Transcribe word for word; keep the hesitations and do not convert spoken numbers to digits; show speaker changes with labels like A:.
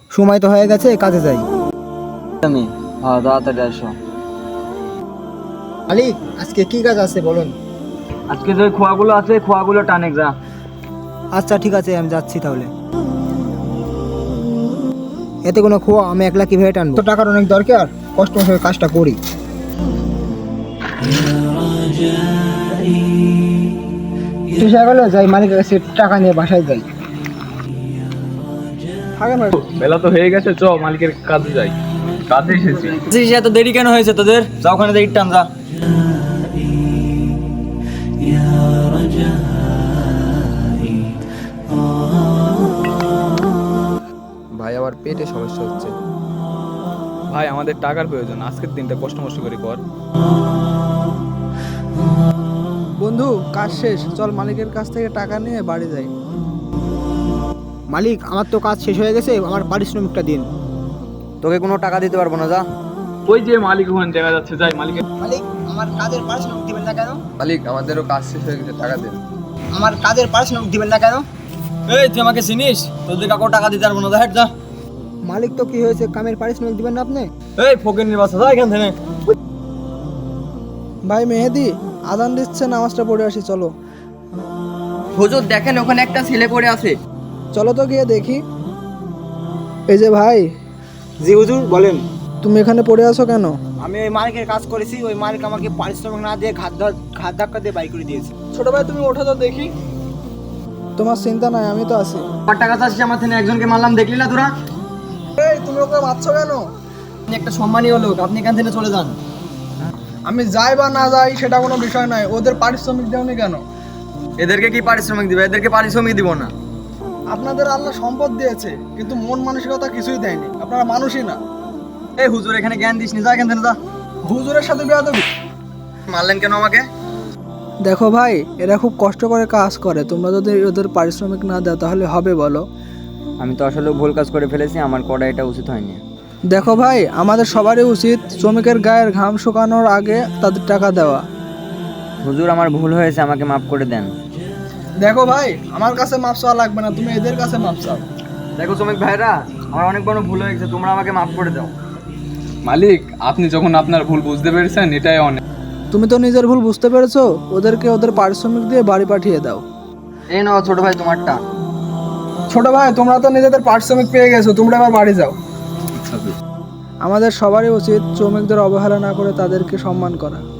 A: সময় তো হয়ে গেছে, কাজে যাই।
B: আমি হ্যাঁ তাড়াতাড়ি আসো।
A: মালিক, আজকে কি কাজ আছে বলুন।
B: আজকে যে খোয়াগুলো আছে খোয়াগুলো টানে যা।
A: আচ্ছা ঠিক আছে, আমি যাচ্ছি তাহলে। এতে কোনো খোয়া আমি একলা কিভাবে টানবো? তো টাকার অনেক দরকার, কষ্ট করে কাজটা করি। শেষ হয়ে গেল, যাই মালিকের কাছে টাকা নিয়ে বাসায় যাই।
C: বেলা তো হয়ে গেছে, চ মালিকের কাজে যাই, কাজে এসেছি।
B: এত দেরি কেন হয়েছে তোদের? যা ওখানে দেরি টান যা।
D: ভাই আমার পেটে সমস্যা হচ্ছে।
C: ভাই আমাদের টাকার প্রয়োজন, আজকের দিনটা কষ্ট মষ্ট করে কর।
E: বন্ধু, কাজ শেষ, চল মালিকের কাছ থেকে টাকা নিয়ে বাড়ি যাই।
A: মালিক, আমার তো কাজ শেষ হয়ে গেছে, আমার পারিশ্রমিকটা দিন।
B: তোকে কোনো টাকা দিতে পারবো না, যা।
C: ওই যে মালিক ওখানে দেখা যাচ্ছে, যাই মালিকের।
A: মালিক, আমার কাজের পারিশ্রমিক দিবেন না কেন?
D: মালিক আমাদেরও কাজ শেষ হয়ে গেছে, টাকা দেন।
A: আমার কাজের পারিশ্রমিক দিবেন না কেন?
B: এই তুই আমাকে চিনিস? তোদের কাকু টাকা দিতে পারবো না, যা হেট যা।
A: মালিক তো কি হয়েছে, কামের পারিশ্রমিক দিবেন না আপনি?
B: এই ফকির নির্বাচন যা এখান থেকে।
E: ভাই মেহেদি, আজান দিচ্ছে, নামাজটা পড়ে আসি, চলো।
B: হুজুর দেখেন ওখানে একটা ছেলে পড়ে আছে।
E: চলো তো গিয়ে দেখি। এই যে ভাই,
A: জি হুজুর, বলেন।
E: তুমি এখানে পড়ে আছো কেন?
A: আমি ওই মালিকের কাজ করেছি, ওই মালিক আমাকে পারিশ্রমিক না দিয়ে ঘাত ধা- ঘাত ধাক্কা দিয়ে বাই করে দিয়েছে।
E: ছোট ভাই তুমি ওঠো তো দেখি। তোমার চিন্তা নাই, আমি তো আছি।
B: আমার টাকা চাচ্ছি, আমার থেকে একজনকে মারলাম, দেখলি না তোরা?
E: এই তুমি ওকে মারছো কেন?
B: আপনি একটা সম্মানীয় লোক, আপনি এখান থেকে চলে যান।
E: আমি যাই বা না যাই সেটা কোনো বিষয় নয়, ওদের পারিশ্রমিক দেওনি কেন?
B: এদেরকে কি পারিশ্রমিক দিবে? এদেরকে পারিশ্রমিক দিব না।
E: আপনাদের আল্লাহ সম্পদ দিয়েছে, কিন্তু মন মানসিকতা কিছুই দেয়নি। আপনারা মানুষই না।
B: এই হুজুর এখানে জ্ঞান দিস নি, যা এখান থেকে যা।
E: হুজুরের সাথে বেয়াদবি।
B: মারলেন কেন আমাকে?
E: দেখো ভাই, এরা খুব কষ্ট করে কাজ করে, তোমরা যদি ওদের পারিশ্রমিক না দাও তাহলে হবে বলো?
B: আমি তো আসলে ভুল কাজ করে ফেলেছি, আমার করা এটা উচিত হয়নি।
E: দেখো ভাই, আমাদের সবারই উচিত শ্রমিকের গায়ের ঘাম শুকানোর আগে তাদের টাকা দেওয়া।
B: হুজুর আমার ভুল হয়েছে, আমাকে মাফ করে দেন।
E: দেখো ভাই, আমার কাছে মাপ চাওয়া লাগবে না, তুমি এদের কাছে মাপ চাও।
B: দেখো শ্রমিক ভাইরা, আমার অনেক বড় ভুল হয়ে গেছে, তোমরা আমাকে মাফ করে দাও।
C: মালিক, আপনি যখন আপনার ভুল বুঝতে পেরেছেন, এটাই অনেক।
E: তুমি তো নিজের ভুল বুঝতে পেরেছো, ওদেরকে ওদের পারিশ্রমিক দিয়ে বাড়ি পাঠিয়ে দাও।
B: এই নাও ছোট ভাই তোমারটা।
E: ছোট ভাই, তোমরা তো নিজেদের পারিশ্রমিক পেয়ে গেছো, তোমরা এবার বাড়ি যাও।
C: আচ্ছা।
E: আমাদের সবারই উচিত শ্রমিকদের অবহেলা না করে তাদেরকে সম্মান করা।